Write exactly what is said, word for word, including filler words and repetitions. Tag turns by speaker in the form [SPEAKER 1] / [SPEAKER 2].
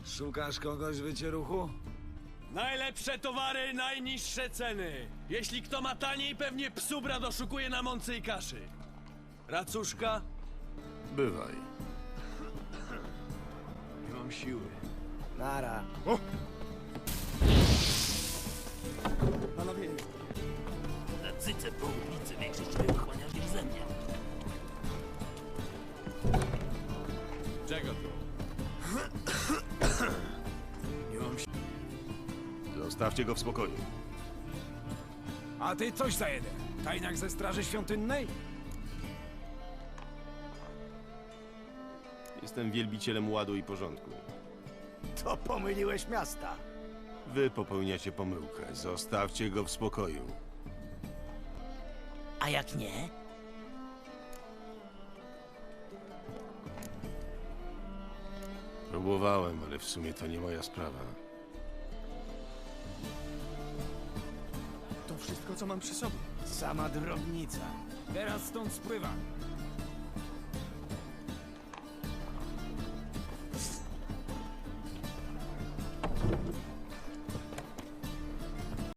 [SPEAKER 1] Szukasz kogoś w wycieruchu?
[SPEAKER 2] Najlepsze towary, najniższe ceny. Jeśli kto ma taniej, pewnie psubra doszukuje na mące i kaszy. Racuszka?
[SPEAKER 3] Bywaj.
[SPEAKER 2] Nie mam siły.
[SPEAKER 1] Nara.
[SPEAKER 2] Panowie,
[SPEAKER 4] Na cyce po ulicy większość wychłania ze mnie.
[SPEAKER 2] czego tu? Nie mam siły.
[SPEAKER 3] Zostawcie go w spokoju.
[SPEAKER 1] A ty coś za jeden. Tajniak ze Straży Świątynnej?
[SPEAKER 3] Jestem wielbicielem ładu i porządku.
[SPEAKER 1] To pomyliłeś miasta.
[SPEAKER 3] Wy popełniacie pomyłkę. Zostawcie go w spokoju.
[SPEAKER 4] A jak nie?
[SPEAKER 3] Próbowałem, ale w sumie to nie moja sprawa.
[SPEAKER 2] To wszystko, co mam przy sobie.
[SPEAKER 1] Sama drobnica. Teraz stąd spływam.